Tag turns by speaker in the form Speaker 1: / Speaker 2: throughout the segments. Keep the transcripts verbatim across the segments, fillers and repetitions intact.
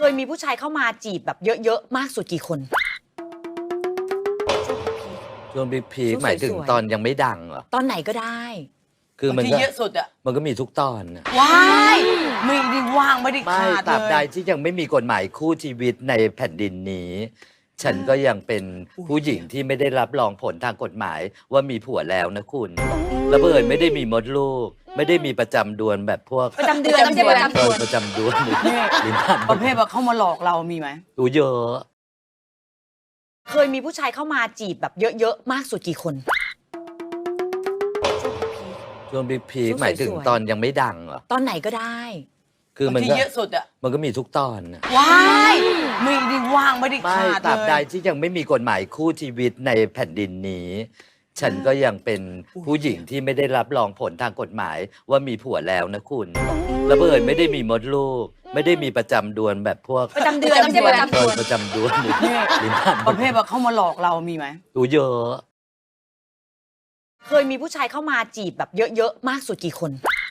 Speaker 1: ยมีผู้ชายเข้ามาจีบแบบเยอะๆมากสุดกี่คน
Speaker 2: ช่วงพีคๆหมายถึง
Speaker 1: สวยๆ
Speaker 2: ตอนยังไม่ดังเหรอ
Speaker 1: ตอนไหนก็ได้
Speaker 2: คือมัน
Speaker 3: ที่
Speaker 2: ก็
Speaker 3: เยอะสุดอะ
Speaker 2: มันก็มีทุกตอนน่ะ
Speaker 3: ว้ายไม่ได้ว่างไม่ได้
Speaker 2: ไม่
Speaker 3: ขาด
Speaker 2: ตราบ
Speaker 3: เล
Speaker 2: ใด
Speaker 3: ย
Speaker 2: ที่ยังไม่มีกฎหมายคู่ชีวิตในแผ่นดินนี้ ฉันก็ยังเป็นผู้หญิงที่ไม่ได้รับรองผลทางกฎหมายว่ามีผัวแล้วนะคุณระเบิดไม่ได้มีมดลูก ไม่ได้มีประจำเดือนแบบพวก
Speaker 1: ประจำเดือนไม่ใช่ประจำ
Speaker 2: เอ
Speaker 1: เดื
Speaker 2: อ
Speaker 1: อน
Speaker 2: ประจำเดือน
Speaker 3: นี่
Speaker 2: ลิ้นพัน
Speaker 3: ประเภทว่าเขามาหลอกเรามีไหม
Speaker 2: อูเยอะ
Speaker 1: เคยมีผู้ชายเข้ามาจีบแบบเยอะๆมากสุดกี่คน
Speaker 2: ช่วงพีคๆหมายถึง
Speaker 1: สวยๆ
Speaker 2: ตอนยังไม่ดังเหรอ
Speaker 1: ตอนไหนก็ได้
Speaker 2: คือมัน
Speaker 3: ที่
Speaker 2: ก็
Speaker 3: เยอะสุดอะ
Speaker 2: มันก็มีทุกตอนน่ะ
Speaker 3: ว้ายไม่ได้ว่างไม่ได้
Speaker 2: ไม่
Speaker 3: ขาด
Speaker 2: ตราบใด
Speaker 3: เลย
Speaker 2: ที่ยังไม่มีกฎหมายคู่ชีวิตในแผ่นดินนี้ ฉันก็ยังเป็นผู้หญิงที่ไม่ได้รับรองผลทางกฎหมายว่ามีผัวแล้วนะคุณระเบิดไม่ได้มีมดลูก ไม่ได้มีประจำเดือนแบบพวก
Speaker 1: ประจำเดือนไม่ใช่ประจำ
Speaker 2: เอ
Speaker 1: เดื
Speaker 2: อ
Speaker 1: อน
Speaker 2: ประจำเดือน
Speaker 3: นี่
Speaker 2: ลิ้นพัน
Speaker 3: ประเภทว่าเขามาหลอกเรามีไหม
Speaker 2: อูเยอะ
Speaker 1: เคยมีผู้ชายเข้ามาจีบแบบเยอะๆมากสุดกี่คน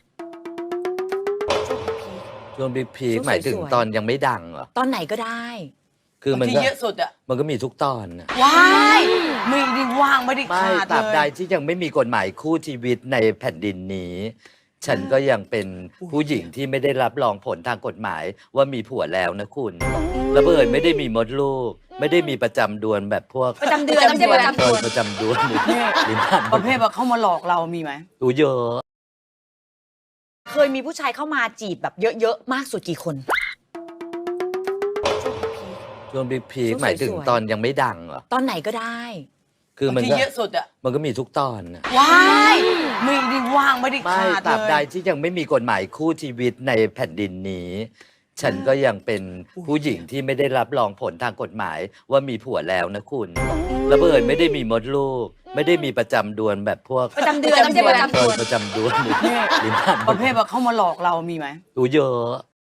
Speaker 2: ช่วงพีคๆหมายถึง
Speaker 1: สวยๆ
Speaker 2: ตอนยังไม่ดังเหรอ
Speaker 1: ตอนไหนก็ได้
Speaker 2: คือมัน
Speaker 3: ที่
Speaker 2: ก็
Speaker 3: เยอะสุดอะ
Speaker 2: มันก็มีทุกตอนน่ะ
Speaker 3: ว้ายไม่ได้ว่างไม่ได้
Speaker 2: ไม่
Speaker 3: ขาด
Speaker 2: ตราบ
Speaker 3: เล
Speaker 2: ใด
Speaker 3: ย
Speaker 2: ที่ยังไม่มีกฎหมายคู่ชีวิตในแผ่นดินนี้ ฉันก็ยังเป็นผู้หญิงที่ไม่ได้รับรองผลทางกฎหมายว่ามีผัวแล้วนะคุณระเบิดไม่ได้มีมดลูก ไม่ได้มีประจำเดือนแบบพวก
Speaker 1: ประจำเดือนไม่ใช่ประจำ
Speaker 2: เอ
Speaker 1: เดื
Speaker 2: อ
Speaker 1: อน
Speaker 2: ประจำเดือน
Speaker 3: นี่
Speaker 2: ลิ้นพัน
Speaker 3: ประเภทว่าเขามาหลอกเรามีไหม
Speaker 2: อูเยอะ
Speaker 1: เคยมีผู้ชายเข้ามาจีบแบบเยอะๆมากสุดกี่คน
Speaker 2: ช่วงพีคๆหมายถึง
Speaker 1: สวยๆ
Speaker 2: ตอนยังไม่ดังเหรอ
Speaker 1: ตอนไหนก็ได้
Speaker 2: คือมัน
Speaker 3: ที่
Speaker 2: ก็
Speaker 3: เยอะสุดอะ
Speaker 2: มันก็มีทุกตอนน่ะ
Speaker 3: ว้ายไม่ได้ว่างไม่ได้
Speaker 2: ไม่
Speaker 3: ขาด
Speaker 2: ตราบ
Speaker 3: เล
Speaker 2: ใด
Speaker 3: ย
Speaker 2: ที่ยังไม่มีกฎหมายคู่ชีวิตในแผ่นดินนี้ ฉันก็ยังเป็นผู้หญิงที่ไม่ได้รับรองผลทางกฎหมายว่ามีผัวแล้วนะคุณระเบิดไม่ได้มีมดลูก ไม่ได้มีประจำเดือนแบบพวก
Speaker 1: ประจำเดือนไม่ใช่ประจำ
Speaker 2: เอ
Speaker 1: เดื
Speaker 2: อ
Speaker 1: อน
Speaker 2: ประจำเดือน
Speaker 3: นี่
Speaker 2: ลิ้นพัน
Speaker 3: ประเภทว่าเขามาหลอกเรามีไหม
Speaker 2: อูเยอะ